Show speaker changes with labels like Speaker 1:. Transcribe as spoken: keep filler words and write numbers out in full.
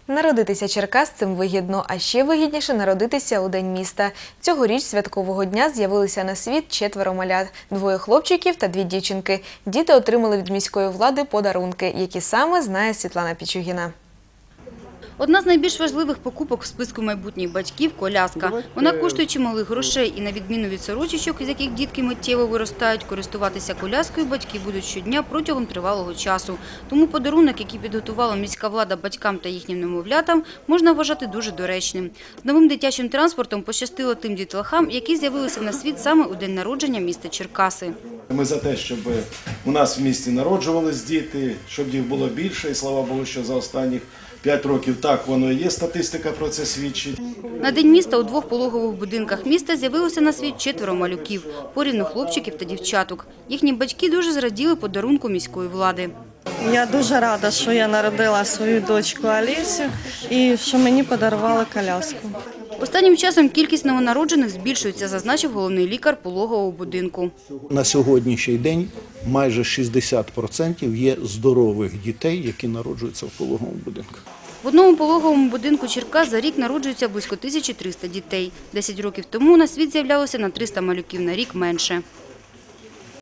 Speaker 1: Народитися черкасцем вигідно, а ще вигідніше народитися у День міста. Цьогоріч святкового дня з'явилися на світ четверо малят – двоє хлопчиків та дві дівчинки. Діти отримали від міської влади подарунки, які саме знає Світлана Пічугіна.
Speaker 2: Одна з найбільш важливих покупок в списку майбутніх батьків – коляска. Вона коштує чималих грошей і, на відміну від сорочечок, з яких дітки миттєво виростають, користуватися коляскою батьки будуть щодня протягом тривалого часу. Тому подарунок, який підготувала міська влада батькам та їхнім немовлятам, можна вважати дуже доречним. З новим дитячим транспортом пощастило тим дітлахам, які з'явилися на світ саме у день народження міста Черкаси.
Speaker 3: Ми за те, щоб у нас в місті народжувались діти, щоб їх було більше, і слава Богу, що за останніх п'ять років так воно і є, статистика про це свідчить.
Speaker 2: На День міста у двох пологових будинках міста з'явилося на світ четверо малюків – порівну хлопчиків та дівчаток. Їхні батьки дуже зраділи подарунку міської влади.
Speaker 4: Я дуже рада, що я народила свою дочку Алісю і що мені подарували коляску.
Speaker 2: Останнім часом кількість новонароджених збільшується, зазначив головний лікар пологового будинку.
Speaker 5: На сьогоднішній день майже шістдесят відсотків є здорових дітей, які народжуються в пологовому будинку.
Speaker 2: В одному пологовому будинку Черкас за рік народжується близько тисячі трьохсот дітей. Десять років тому на світ з'являлося на триста малюків на рік менше.